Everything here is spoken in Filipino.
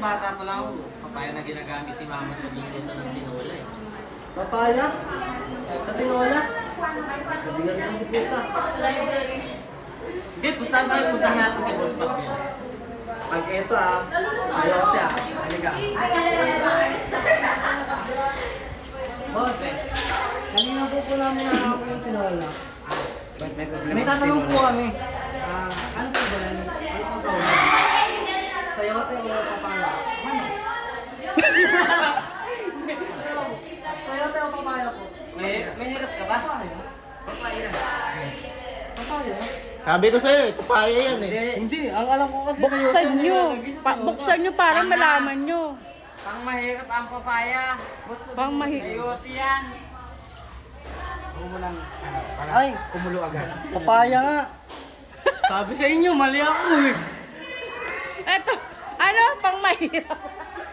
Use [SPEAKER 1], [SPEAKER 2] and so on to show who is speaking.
[SPEAKER 1] bata pa lang ako, papaya na ginagamit ni mama sa bigyan ng tinola eh.
[SPEAKER 2] Papaya? Sa tinola? Kabigan ng diputa.
[SPEAKER 1] Sige, pustahan tayo, puntahan natin kay Boss Pac yan.
[SPEAKER 2] Pag ito sayote halika. Boss, kanina po namin nakakapin yung tinola. May tatanong po kami. Ano po ba yan? Ano po sa una? Sayote o papaya? Ano? Sayote o papaya po?
[SPEAKER 1] May hirap ka ba?
[SPEAKER 2] Papaya. Papaya?
[SPEAKER 1] Sabi ko sa'yo, papaya yan eh.
[SPEAKER 2] Hindi, ang alam ko kasi
[SPEAKER 3] Buksan nyo. Buksan nyo para malaman nyo.
[SPEAKER 4] Pang mahirap ang papaya.
[SPEAKER 3] Pang
[SPEAKER 4] Sayote yan.
[SPEAKER 2] Ay, kumulo agad. Papaya nga. Sabi sa inyo, mali ako eh.
[SPEAKER 3] Eto, ano? Pang mahirap.